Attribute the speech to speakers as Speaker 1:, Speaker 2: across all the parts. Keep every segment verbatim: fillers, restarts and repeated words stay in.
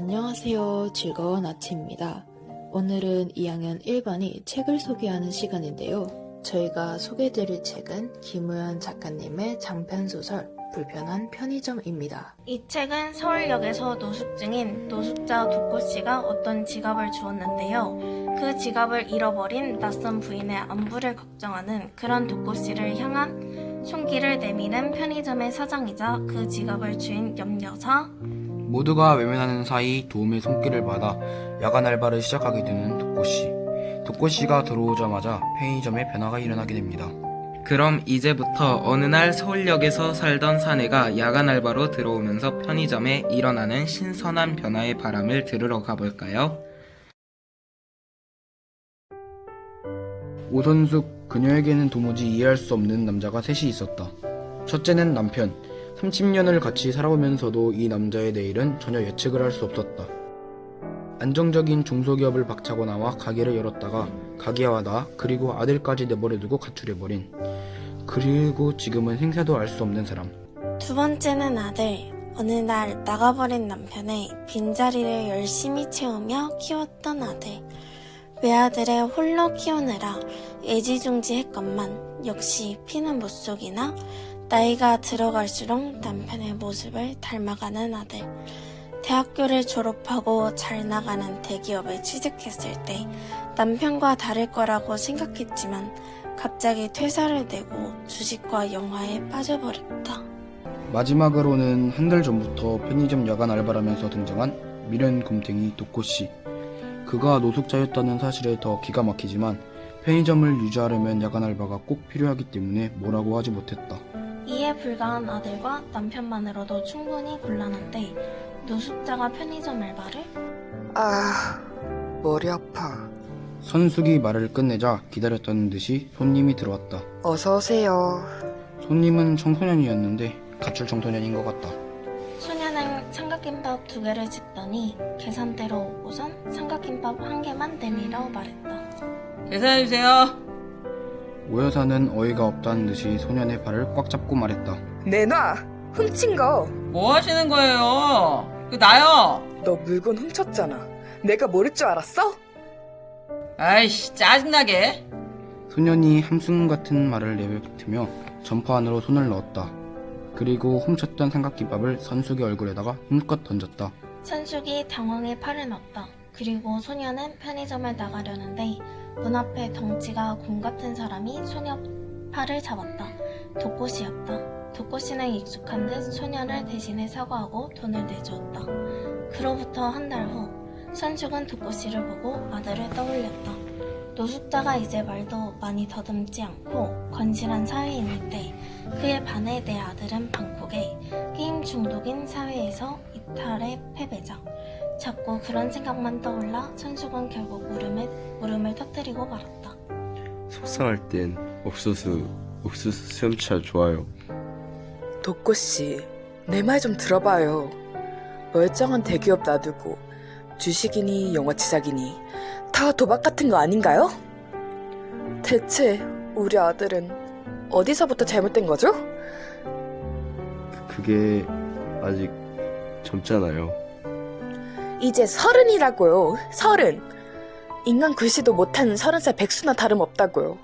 Speaker 1: 안녕하세요. 즐거운 아침입니다. 오늘은 이 학년 일 반이 책을 소개하는 시간인데요. 저희가 소개해드릴 책은 김우현 작가님의 장편소설 불편한 편의점입니다.
Speaker 2: 이 책은 서울역에서 노숙 중인 노숙자 도코씨가 어떤 지갑을 주었는데요. 그 지갑을 잃어버린 낯선 부인의 안부를 걱정하는 그런 도코씨를 향한 총기를 내미는 편의점의 사장이자 그 지갑을 주인 염여사,
Speaker 3: 모두가 외면하는 사이 도움의 손길을 받아 야간 알바를 시작하게 되는 도코씨. 도코씨가 들어오자마자 편의점에 변화가 일어나게 됩니다.
Speaker 4: 그럼 이제부터 어느 날 서울역에서 살던 사내가 야간 알바로 들어오면서 편의점에 일어나는 신선한 변화의 바람을 들으러 가볼까요?
Speaker 3: 오선숙, 그녀에게는 도무지 이해할 수 없는 남자가 셋이 있었다. 첫째는 남편. 삼십 년을 같이 살아오면서도 이 남자의 내일은 전혀 예측을 할 수 없었다. 안정적인 중소기업을 박차고 나와 가게를 열었다가 가게화하다 그리고 아들까지 내버려두고 가출해버린, 그리고 지금은 생사도 알 수 없는 사람.
Speaker 2: 두 번째는 아들. 어느 날 나가버린 남편의 빈자리를 열심히 채우며 키웠던 아들. 외아들을 홀로 키우느라 애지중지했건만 역시 피는 못 속이나 나이가 들어갈수록 남편의 모습을 닮아가는 아들. 대학교를 졸업하고 잘 나가는 대기업에 취직했을 때 남편과 다를 거라고 생각했지만 갑자기 퇴사를 내고 주식과 영화에 빠져버렸다.
Speaker 3: 마지막으로는 한 달 전부터 편의점 야간 알바라면서 등장한 미련 곰탱이 도코씨. 그가 노숙자였다는 사실에 더 기가 막히지만 편의점을 유지하려면 야간 알바가 꼭 필요하기 때문에 뭐라고 하지 못했다.
Speaker 2: 이해 불가한 아들과 남편만으로도 충분히 곤란한데 노숙자가 편의점 알바를?
Speaker 5: 아, 머리 아파.
Speaker 3: 선숙이 말을 끝내자 기다렸다는 듯이 손님이 들어왔다.
Speaker 5: 어서 오세요.
Speaker 3: 손님은 청소년이었는데 가출 청소년인 것 같다.
Speaker 2: 소녀는 삼각김밥 두 개를 집더니 계산대로 오고선 삼각김밥 한 개만 내밀어 말했다.
Speaker 6: 계산해주세요.
Speaker 3: 오 여사는 어이가 없다는 듯이 소년의 발을 꽉 잡고 말했다.
Speaker 5: 내놔. 훔친 거.
Speaker 6: 뭐 하시는 거예요? 그 나요.
Speaker 5: 너 물건 훔쳤잖아. 내가 모를 줄 알았어?
Speaker 6: 아이씨, 짜증나게.
Speaker 3: 소년이 함순 같은 말을 내뱉으며 점퍼 안으로 손을 넣었다. 그리고 훔쳤던 삼각김밥을 선숙의 얼굴에다가 힘껏 던졌다.
Speaker 2: 선숙이 당황해 팔을 넣었다. 그리고 소녀는 편의점을 나가려는데 문 앞에 덩치가 곰 같은 사람이 소녀 팔을 잡았다. 도코씨였다. 도코씨는 익숙한 듯 소년을 대신해 사과하고 돈을 내주었다. 그로부터 한 달 후 선숙은 도코씨를 보고 아들을 떠올렸다. 노숙자가 이제 말도 많이 더듬지 않고 건실한 사회인일 때 그에 반해 내 아들은 방콕에 게임 중독인 사회에서 이탈의 패배자. 자꾸 그런 생각만 떠올라 선숙은 결국 울음을, 울음을 터뜨리고 말았다.
Speaker 7: 속상할 땐 옥수수, 옥수수 수염차 좋아요.
Speaker 5: 도코씨, 내 말 좀 들어봐요. 멀쩡한 대기업 놔두고 주식이니 영화 제작이니 다 도박 같은 거 아닌가요? 대체 우리 아들은 어디서부터 잘못된 거죠?
Speaker 7: 그게 아직 젊잖아요.
Speaker 5: 이제 서른이라고요. 서른. 인간 글씨도 못하는 서른 살 백수나 다름없다고요.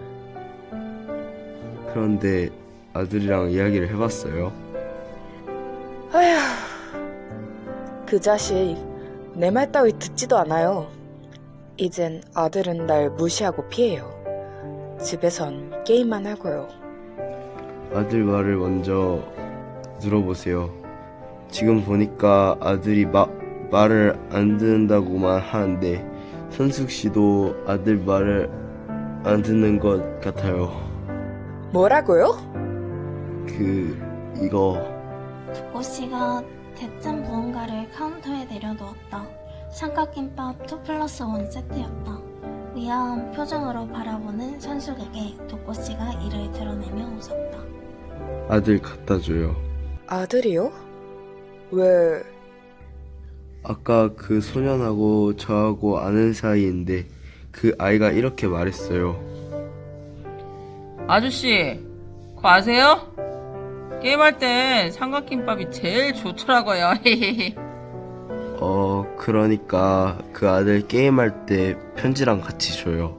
Speaker 7: 그런데 아들이랑 이야기를 해봤어요.
Speaker 5: 아휴, 그 자식 내 말 따위 듣지도 않아요. 이젠 아들은 날 무시하고 피해요. 집에선 게임만 하고요.
Speaker 7: 아들 말을 먼저 들어보세요. 지금 보니까 아들이 마, 말을 안 듣는다고만 하는데 선숙 씨도 아들 말을 안 듣는 것 같아요.
Speaker 5: 뭐라고요?
Speaker 7: 그 이거
Speaker 2: 도코씨가 대뜸 무언가를 카운터에 내려놓았다. 삼각김밥 이 플러스 일 세트였다. 의아한 표정으로 바라보는 선숙에게 도코씨가 이를 드러내며 웃었다.
Speaker 7: 아들 갖다 줘요.
Speaker 5: 아들이요? 왜?
Speaker 7: 아까 그 소년하고 저하고 아는 사이인데 그 아이가 이렇게 말했어요.
Speaker 6: 아저씨, 그거 아세요? 게임할 땐 삼각김밥이 제일 좋더라고요.
Speaker 7: 어... 그러니까 그 아들 게임할 때 편지랑 같이 줘요.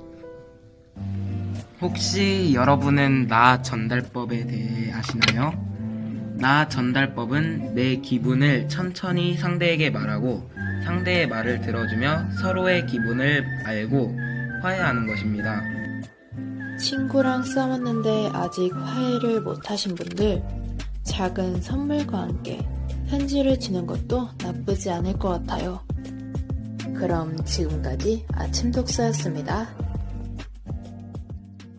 Speaker 4: 혹시 여러분은 나 전달법에 대해 아시나요? 나 전달법은 내 기분을 천천히 상대에게 말하고 상대의 말을 들어주며 서로의 기분을 알고 화해하는 것입니다.
Speaker 1: 친구랑 싸웠는데 아직 화해를 못하신 분들, 작은 선물과 함께 편지를 주는 것도 나쁘지 않을 것 같아요. 그럼 지금까지 아침 독서였습니다.